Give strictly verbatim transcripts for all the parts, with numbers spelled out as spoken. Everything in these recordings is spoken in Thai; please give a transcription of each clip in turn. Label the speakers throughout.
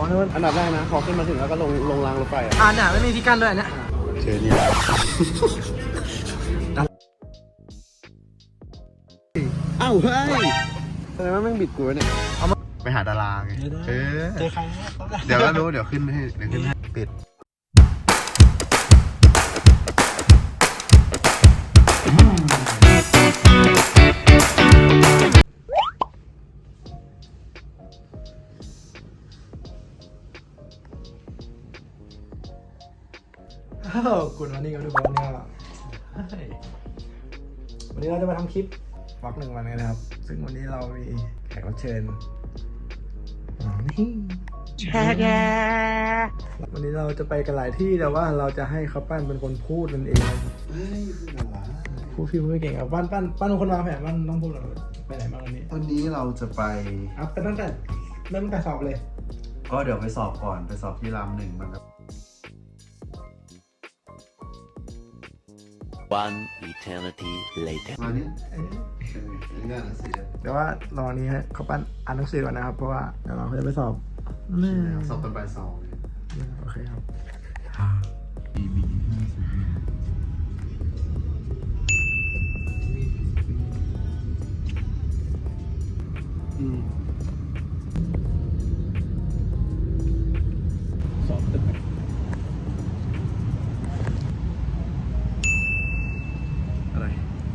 Speaker 1: นี่มัน
Speaker 2: อันดับแรกนะพอขึ้นมาถึงแล้วก็ลงลงรางรถไฟอ่ะ
Speaker 1: อ่าเนี่ยไม่มีที่กั้นด้วยเนี่ย
Speaker 2: เจอเนี่ยอ้าวเฮ้ยแสดงว่าแม่งบิดกูเนี่ยไปหาดาราไงเออ
Speaker 1: เจอใคร
Speaker 2: เดี๋ยวก็รู้เดี๋ยวขึ้นให้เดี๋ยวขึ้นให้ปิด
Speaker 1: อ้าวกูวันนี้กันทุกคนเนี่ยวันนี้เราจะมาทำคลิปวล็อกหนึ่งวันกันนะครับซึ่งวันนี้เรามีแขกรับเชิญนี่แชร์แกวันนี้เราจะไปกันหลายที่แต่ว่าเราจะให้เขาปั้นเป็นคนพูดมันเองพูดพี่พูดไม่เก่งครับปั้นปั้นปั้นเป็นคนวางแผนปั้นต้องพูดหรอไปไหนบ้างวันนี้
Speaker 2: วันนี้เราจะไป
Speaker 1: อัพไปตั้งแต่เริ่มตั้งแต่สอบเลย
Speaker 2: ก็เดี๋ยวไปสอบก่อนไปสอบที่รามหนึ่งมันครับ
Speaker 3: One eternity later
Speaker 2: มาเนี่ยงานหนังสือ
Speaker 1: เดี๋ยวว่ารอนี้ให้เขาปั้นอ่านหนังสือก่อนนะครับเพราะว่าเดี๋ยวเราจะไปสอบ
Speaker 2: สอบตอนบ่ายสอง
Speaker 1: โอเคครับสอบตึก
Speaker 2: อะไร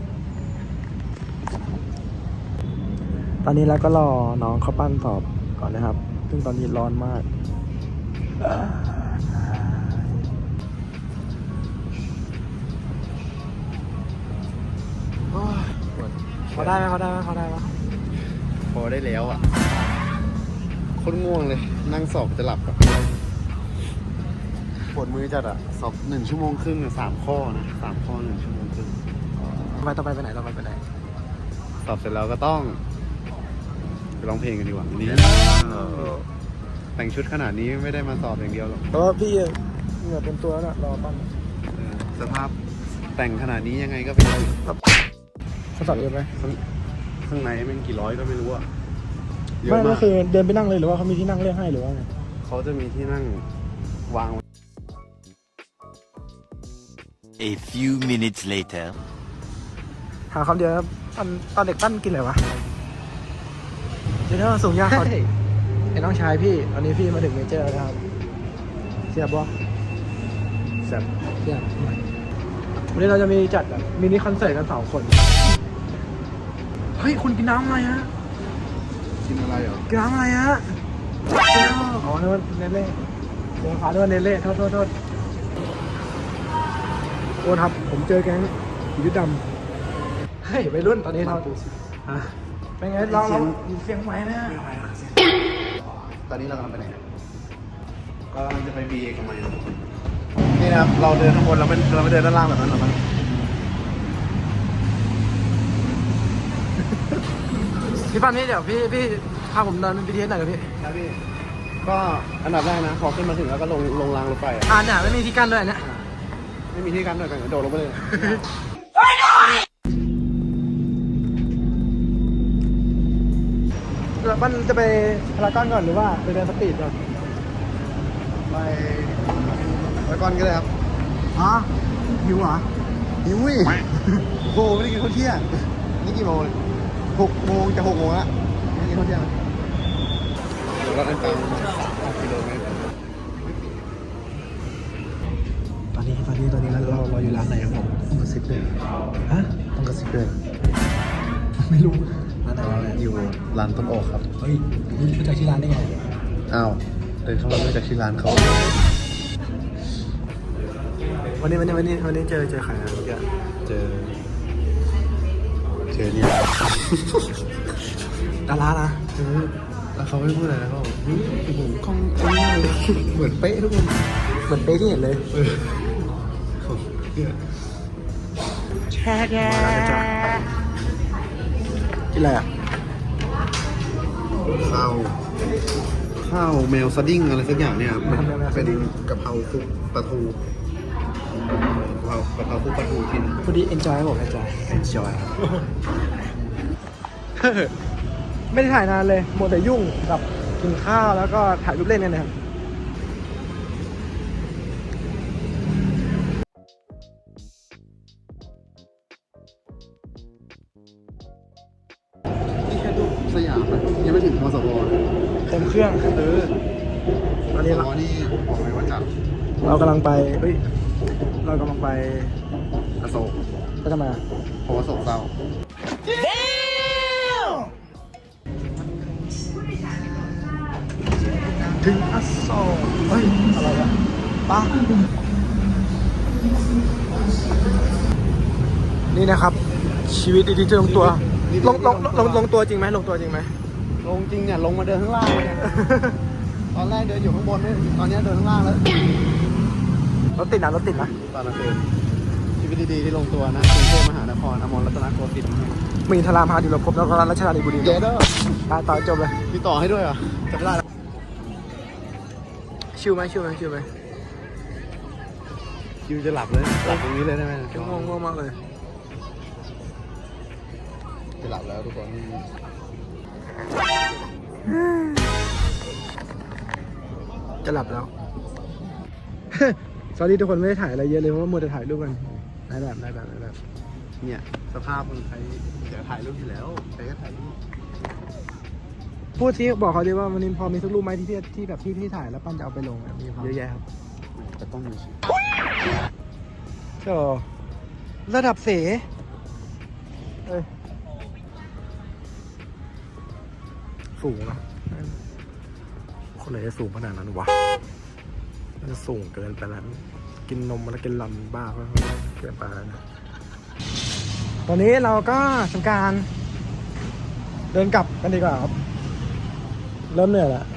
Speaker 1: ตอนนี้เราก็รอน้องเขาปั้นสอบก่อนนะครับซึ่งตอนนี้ร้อนมากเขาได้ไหมเขาได้ไหมเขาได้ไหม
Speaker 2: พอได้แล้วอ่ะโคตรง่วงเลยนั่งสอบจะหลับอ่ะปวดมือจัดอ่ะสอบหนึ่งชั่วโมงครึ่งสามข้อนะสามข้อหนึ่งชั่วโมงครึ่ง
Speaker 1: ไปต่อไปไปไหนต่อไปไปไหน
Speaker 2: สอบเสร็จแล้วก็ต้องไปร้องเพลงกันดีกว่าวันนี้แต่งชุดขนาดนี้ไม่ได้มาสอบอย่างเดียวหรอก
Speaker 1: เพราะว่าพี่เหงื่อเป็นตัวแล้วรอปั้น
Speaker 2: สภาพแต่งขนาดนี้ยังไงก็เป็น
Speaker 1: เขาสอบเยอะไหม
Speaker 2: ข้างในแม่งกี่ร้อยก็ไม่รู้อ่ะ
Speaker 1: ไม่ก็คือเดินไปนั่งเลยหรือว่าเขามีที่นั่งเลือกให้หรือว่าไง
Speaker 2: เขาจะมีที่นั่งวาง
Speaker 3: A few minutes later
Speaker 1: หาคำเดียวตอนตอนเด็กปั้นกินอะไรวะเดี๋ยวส่งยาเขาไอ้น้องชายพี่ตอนนี้พี่มาถึงเมเจอร์แล้วครับเสียบวะเสียบเสียบวันนี้เราจะมีจัดแบบมินิคอนเสิร์ตกันสองคนเฮ้ยคุณกินน้ำอะไรฮะ
Speaker 2: กินอะไรเหรอ
Speaker 1: กินน้ำอะไรฮะอ๋อนึกว่าเนเล่เดี๋ยวขอนึกว่าเนเล่โทษโทษโทษโอ้ครับผมเจอแก๊งยุดดำเฮ้ยไปรุ่นตอนนี้เราเป็นไงเราเราเสียงไหมนะ
Speaker 2: ตอนนี้เรากำลังไปไหนก็กำลังจะไปบีเอกมัยนี่นะครับเราเดินข้างบนเราไม่เราไม่เดินด้านล่างแบบนั้นหรอมั้ง
Speaker 1: พี่ปั้นนี่เดี๋ยวพี่พี่พาผมเดินบีทีเอสหน่อยกับพี่
Speaker 2: ครับพี่ก็อันดับแรกนะพอขึ้นมาถึงแล้วก็ลงลงรางรถไฟ
Speaker 1: อ่าเนี่ยไม่มีที่กั้นด้วยเนี่ย
Speaker 2: ไม่มีที่กั้นด้วยกันโดดลงไปเลย
Speaker 1: ปั้นจะไปพารากอนก่อนหรือว่าไปเดินสตรีทก่อน
Speaker 2: ไปไปก่อนก็ได้ครับ
Speaker 1: อ๋อหิวเหรอ
Speaker 2: หิวอีกโอ้โหไม่ได้กินข้าวเที่ยงนี่กี่โมงหกโมงจะหกโมงละไม่กินข้าวเที่ยงเราเดินตามสามกิโลเมตร
Speaker 1: ตอนนี้ตอนนี้ตอนนี้เราเราอยู่ร้านไหนครับผมต้องกระซิบเลยฮะต้องกระซิบเลยไม่รู้ร้านไหนร้านไหน
Speaker 2: อยู่ร้านต้นโอ๊กครับ
Speaker 1: เฮ้ยรู้จักชื่อร้านได้ไง
Speaker 2: อ้าวเดินเข้ามารู้จักชื่อร้านเขา
Speaker 1: วันนี้วันนี้วันนี้วันนี้เจอเจอใครนะเมื่อกี้
Speaker 2: เจอเจอเนี่ย
Speaker 1: ดารานะ
Speaker 2: แล้วเขาไม่พูดอะไรนะเขาบอกโอ้โหกล้องเหมือนเป๊ะทุกคน
Speaker 1: เหมือนเป๊ะที่เห็นเลยแช่แก่กินอะไรอ่ะ
Speaker 2: ข้าวข้าวแมวสดิ้งอะไรสักอย่างเนี่ยมันเป็นกะเพราคลุกปลาทูกะเพรากะเพราคลุกปลาทูกิน
Speaker 1: พอดี enjoy บอก enjoy
Speaker 2: enjoy
Speaker 1: ไม่ได้ถ่ายนานเลยมัวแต่ยุ่งกับกินข้าวแล้วก็ถ่ายรูปเล่นกันนะครับ
Speaker 2: สยามนะยังไม่ถึงมสว
Speaker 1: เต็มเครื่อง
Speaker 2: เออ
Speaker 1: ตอนนี้
Speaker 2: มส
Speaker 1: เรา
Speaker 2: วนี่บอกเลยว่าจัด
Speaker 1: เรากำลังไปเฮ้ยเรากำลังไป
Speaker 2: อโศก
Speaker 1: ไปทำไมอะ
Speaker 2: เพราะว่าโศกเศร้า
Speaker 1: ถึงอโศกเฮ้ยอะไรอะป้านี่นะครับ ชีวิตดีๆจะลงตัวลงลงลงลงตัวจริงไหมลงตัวจริงไหม
Speaker 2: ลงจริงเนี่ยลงมาเดินข้างล่างเลยเนี่ยตอนแรกเดินอยู่ข้างบนเนี่ยตอนนี้เดินข้างล่างแล้ว
Speaker 1: รถติดนะรถติดนะ
Speaker 2: ตอนกลางคืนชีวิตดีๆที่ลงตัวนะกรุงเทพมหานครอมรรัตนโกสินทร์
Speaker 1: มีธารามหาดิลภพแล้วก็รัชดาลีบุรี
Speaker 2: เยเดอร์
Speaker 1: ตาต่อจบเลย
Speaker 2: มีต่อให้ด้วยเหรอจำไม่ได้แล้ว
Speaker 1: ชิวไหมชิวไหมชิวไหม
Speaker 2: คิวจะหลับเลยหลับตรงนี้เลยได้ไหม
Speaker 1: ง่วงง่วงมากเลย
Speaker 2: จะหลับแล้วทุกคน
Speaker 1: จะหลับแล้ว สวัสดีทุกคนไม่ได้ถ่ายอะไรเยอะเลยเพราะว่ามัวแต่ถ่ายรูปกันได้แบบได้แบบได้แบบ
Speaker 2: เนี่ยสภาพคนไทยเดี๋ยวถ่ายรูปอยู่แล้วใครก็ถ่ายรูป
Speaker 1: พูดที่บอกเขาดิว่าวันนี้พอมีสักรูปไหมที่พี่ที่แบบพี่ที่ถ่ายแล้วปั้นจะเอาไปลงอะมีพอ
Speaker 2: เยอะแยะครับแต่ต้องมีชื่อ
Speaker 1: ก็ระดับเสเอ้ยสูงนะคนไหนจะสูงขนาดนั้นวะมันสูงเกินไปแล้วกินนมมาแล้วกินลำบ้าก็เกินไปแล้วนะตอนนี้เราก็ทำการ เดินกลับกันดีกว่าครับเริ่มเหนื่อยแล้ว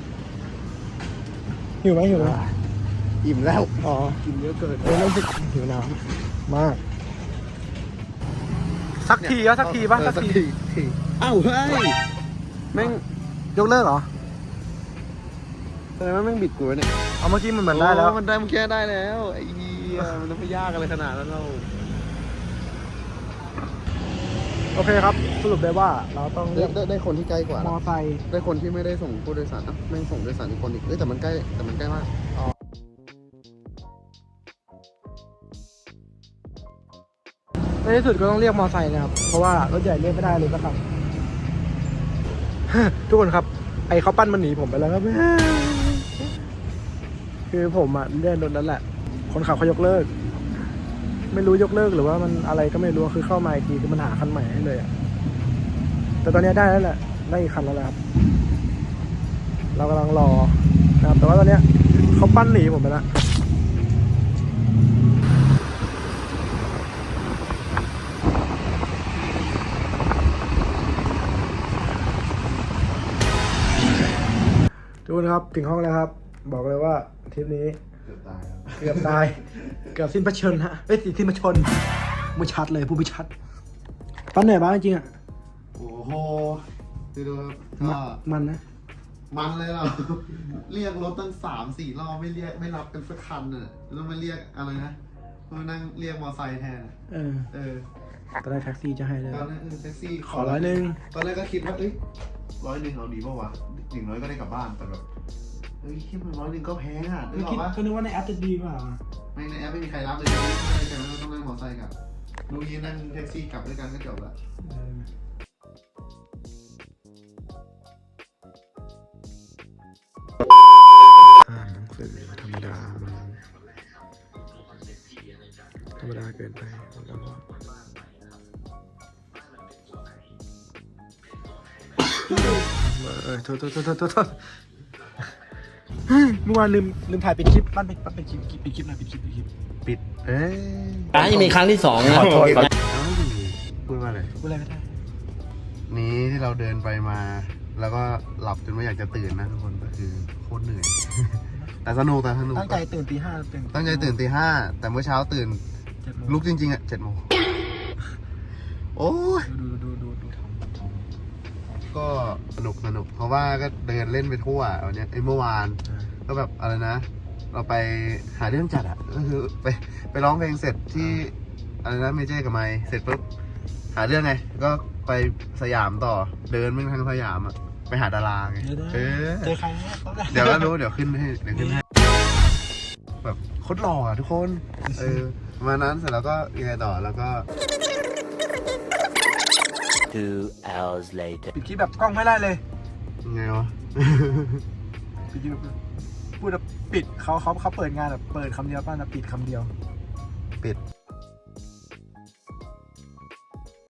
Speaker 1: หิวไหมหิวไหม
Speaker 2: อิ่มแล้ว
Speaker 1: อ๋อ
Speaker 2: กินเยอะเกิน
Speaker 1: เออเริ่มรู้สึกหิวน้ำมาก สักทีก็สักทีป่ะ
Speaker 2: เออ
Speaker 1: สักที
Speaker 2: ทีอ้าวเฮ้ยแม่ง
Speaker 1: ยกเลิกเหรอ
Speaker 2: แสดงว่าแม่งบิดกูวะเนี่ย
Speaker 1: เอาเมื่อกี้มันเหมือนได้แล้ว
Speaker 2: โมันได้มันแค่ได้แล้วไอ้เหี้ยมันต้องไปยากอะไรขนาดนั้นเรา
Speaker 1: โอเคครับ สรุปได้ว่าเราต้องเรี
Speaker 2: ได้
Speaker 1: ยก
Speaker 2: ได้ได้คนที่ใกล้กว่า
Speaker 1: ม
Speaker 2: นะ
Speaker 1: อไซค์
Speaker 2: ได้คนที่ไม่ได้ส่งผู้โดยสารอ่ะแม่งส่งโดยสารอีกคนอีกเอ้ยแต่มันใกล้แต่มันใกล้มาก
Speaker 1: ในที่สุดก็ต้องเรียกมอไซค์นะครับ เพราะว่ารถใหญ่เรียกไม่ได้เลยสักคัน ทุกคนครับ ไอ้เขาปั้นมันหนีผมไปแล้วครับ คือผมอะเลื่อนรถนั้นแหละ คนขับเขายกเลิก ไม่รู้ยกเลิกหรือว่ามันอะไรก็ไม่รู้คือเข้ามาอีกทีคือมันหาคันใหม่ให้เลยอะแต่ตอนนี้ได้แล้วแหละได้อีกคันแล้วแหละครับ เรากำลังรอนะครับแต่ว่าตอนเนี้ยเขาปั้นหนีผมไปแล้วทุกคนครับถึงห้องแล้วครับ บอกเลยว่าทริปนี้
Speaker 2: เกือบตายแล้ว
Speaker 1: เกือบตาย เกือบสิ้นพระชนฮะเอ้ยสิ้นพระชนไม่ชัดเลยพูดไม่ชัดปั้นเหนื่อยบ้างจริงๆอ่ะ
Speaker 2: โอ้โหดูดูก็
Speaker 1: มันนะ
Speaker 2: มันเลยเรา เรียกรถตั้งสามสี่รอบไม่เรียกไม่รับกันสักคันน่ะแล้วมาเรียกอะไรนะมานั่งเรียกมอไซค์แทนอะ
Speaker 1: เออ
Speaker 2: เออ
Speaker 1: ตอนแรกแท็กซี่จะให้เลย
Speaker 2: ตอนแรกเออแท็กซี่
Speaker 1: ขอร้อยหนึ่ง
Speaker 2: ตอนแรกก็คิดว่าเอ้ยร้อยหนึ่งเอาดีป่าวะอย่างน้อยก็ได้กลับบ้านแต่แบบเฮ้ยคิดมันร้อยหนึ่งก็แพงอ่ะนึกออกปะ
Speaker 1: ก็นึกว่าในแอปจะดีกว่า
Speaker 2: ไม่ในแอปไม่มีใครรับเลยไม่ใช่แต่ต้องนั่งมอไซค์กลับลูกนี้นั่งแท็กซี่กลับด้วยกันก็จบละ
Speaker 1: เอออ่านหนังสือธรรมดามันธรรมดาเกินไปแล้วก็เออโทษโทษโทษโทษโทษเฮ้ยเมื่อวานลืมลืมถ่ายปิดคลิปบ้านปิดปิดคลิปปิดคลิปหน่อยปิดคลิปปิดคลิป
Speaker 2: ปิดเอ้ย
Speaker 4: อ่ะยังมีครั้งที่สองนะ
Speaker 1: ขอโทษ
Speaker 2: พูดว่าอะไร
Speaker 1: พูดอะไรไม่ได้
Speaker 2: นี้ที่เราเดินไปมา แล้วก็หลับจนไม่อยากจะตื่นนะทุกคนก็คือโคตรเหนื่อย แต่สนุกแต่สนุก
Speaker 1: ตั้งใจตื่นตีห้าตื่น
Speaker 2: ตั้งใจตื่นตีห้าแต่เมื่อเช้าตื่น
Speaker 1: เจ็ดโมง
Speaker 2: ลุกจริงๆอ่ะเจ็ดโมงโอ้ย
Speaker 1: ดูดูดูดูดู
Speaker 2: ก็สนุกสนุกเพราะว่าก็เดินเล่นไปทั่ววันเนี้ยไอ้เมื่อวาน ก็แบบอะไรนะ เราไปหาเรื่องจัดอ่ะก็คือไปไปร้องเพลงเสร็จที่อะไรนะเมเจกับไมค์เสร็จปุ๊บหาเรื่องไง ก็ไปสยามต่อเดินไม่ทั้งสยามอ่ะไปหาดาราไงเออ
Speaker 1: เจอใครนะ
Speaker 2: เดี๋ยวก็รู้เดี๋ยวขึ้นให้เดี๋ยวขึ้นให้แบบโคตรหล่ออ่ะทุกคนเออประมาณนั้นเสร็จแล้วก็ยังไงต่อแล้วก็
Speaker 3: Two hours later.
Speaker 1: ปิดคลิปแบบกล้องไม่ได้เลย
Speaker 2: ยังไงวะ
Speaker 1: ปิดคลิปแบบพูดแบบปิดเขาเขาเขาเปิดงานแบบเปิดคำเดียวป้านะปิดคำเดียว
Speaker 2: ปิด